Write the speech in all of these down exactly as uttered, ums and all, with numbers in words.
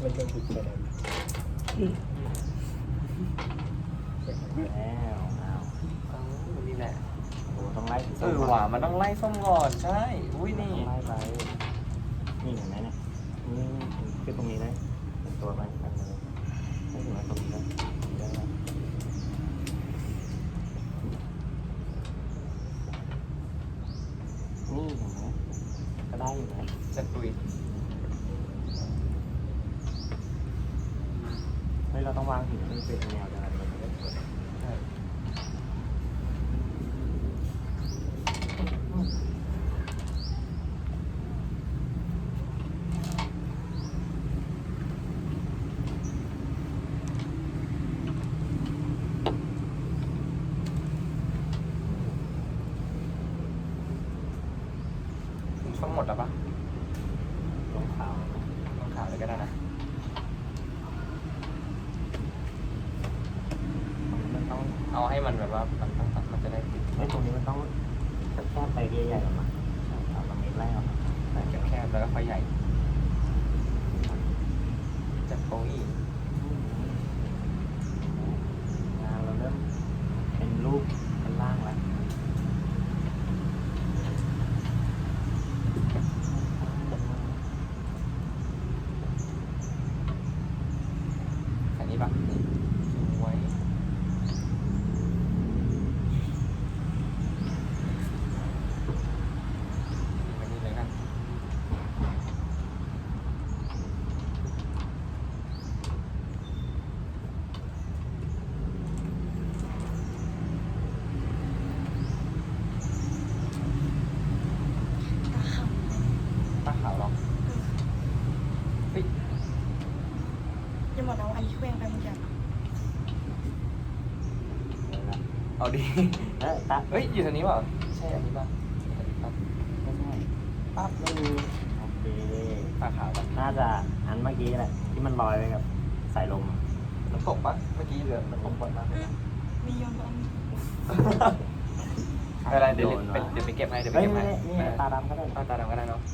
มันจะติดประเด็นแล้วอ้าวเอ้านี่แหละโอ้ต้องไล่ถึงเออหว่ามันต้องไล่ส้มก่อนใช่อุ้ยนี่นี่ไล่ไปนี่เห็นไหมเนี่ยนี่คือตรงนี้เลยเป็นตัวไปกันเลยไม่ถึงว่าตรงนี้เลยได้แล้วนี่เห็นไหมก็ได้อยู่นะจะตุยเฮ้ยเราต้องวางหินให้มันเป็นแนวเดียวกันมันจะได้สวยใช่ส้มหมดแล้วปะลงขาวต้องขาวเลยก็ได้นะมันต้องเอาให้มันแบบว่ามันมันมันจะได้ติดไอ้ยตรงนี้มันต้องแคบๆไปใหญ่ๆออกมาเอาตรงนี้ไล่ออกมาไล่แคบๆแล้วก็ค่อยใหญ่จัดโป้งอีกงานเราเริ่มเป็นรูปเป็นล่างแล้วอันนี้ปะนี่สวยอันนี้เลยกันตาขาวหรอเฮ้ยจะบอกนะว่าอันนี้เคว้งไปเหมือนกันเลยละเอาดีเออตาเฮ้ย อยู่ทางนี้เปล่าใช่อันนี้ป่ะอันนี้ป่ะไม่ใช่ปั๊บไม่มีโอเคตาขาวป่ะน่าจะอันเมื่อกี้แหละที่มันลอยไปกับสายลมมันตกป่ะเมื่อกี้เหลือมันตกบ่อยมากเลยนะมีโยนตัวอันนี้อะไรเดี๋ยวเดี๋ยวเดี๋ยวไปเก็บให้เดี๋ยวไปเฮ้ยเก็บให้นี่นี่ตาดำก็ได้เอาตาดำก็ได้เนาะ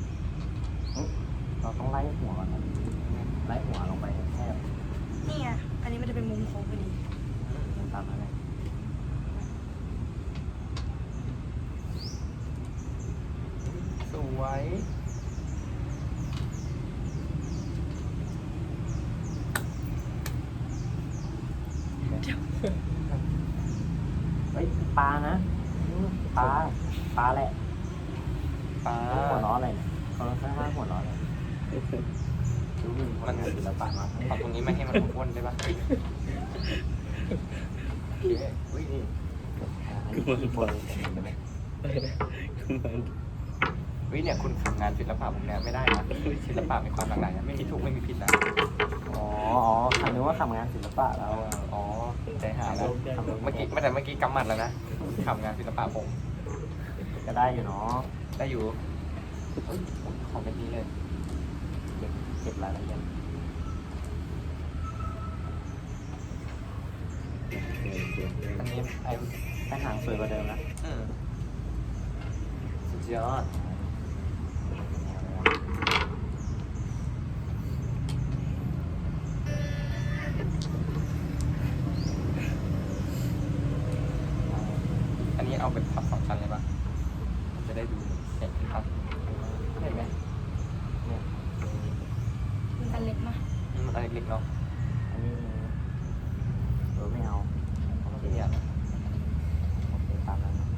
เราต้องไล่หัวก่อนนะไล่หัวลงไปแคบนี่ไงอันนี้มันจะเป็นมุมโค้งพอดีๆตามนั้นเลยสวยเฮ้ยปลานะอืมปลาปลาแหละปลาหัวล้ออะไรเนี่ยเขาต้องข้างหัวล้อเลยดูมันมันศิลปะมากเอาตรงนี้ไม่ให้มันอ้วนได้ป่ะโอเคอุ้ยนี่อันนี้คือคนเห็นไหมวิเนี่ยคุณฝึกงานศิลปะผมเนี่ยไม่ได้นะศิลปะมีความหลากหลายนะไม่มีถูกไม่มีผิดนะอ๋ออ๋อคำนึกว่าทำงานศิลปะแล้วอ๋อใจหายแล้วเมื่อกี้ไม่แต่เมื่อกี้กำหมัดแล้วนะทำงานศิลปะผมก็ได้อยู่เนาะได้อยู่เฮ้ยของเป็นนี้เลยเก็บเก็บรายละเอียดอันนี้ไอ้แต่หางสวยกว่าเดิมนะอืมสุดยอดอันนี้เอาเป็นพับสองชั้นเลยปะจะได้ดูเห็นครับเห็นไหมเนี่ยมันอันเล็กมากนี่มันอะไรเล็กๆเนาะอันนี้เออไม่เอาที่เนี่ยโอเคตามนั้นนะ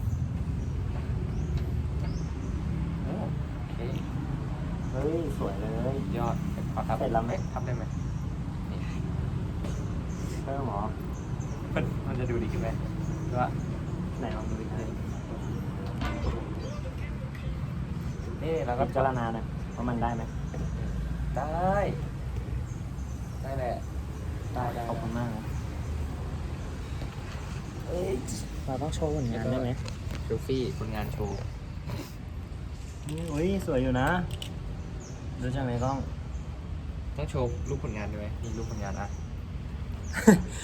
โอ้โอเคเฮ้ยสวยเลยยอดขอทับเสร็จแล้วไหมอ๊ะทับได้ไหมนี่เพิ่มเหรอมันมันจะดูดีขึ้นไหมหรือว่าไหนลองดูดิครับนี่เราก็พิจารณาหนะว่ามันได้ไหมได้ ได้แหละ ได้ได้ขอบคุณมากนะเอ้ยเราต้องโชว์ผลงานได้ไหมเซลฟี่ผลงานโชว์อุ้ยสวยอยู่นะ ดูจากในกล้องต้องโชว์รูปผลงานด้วยไหมนี่รูปผลงานอ่ะ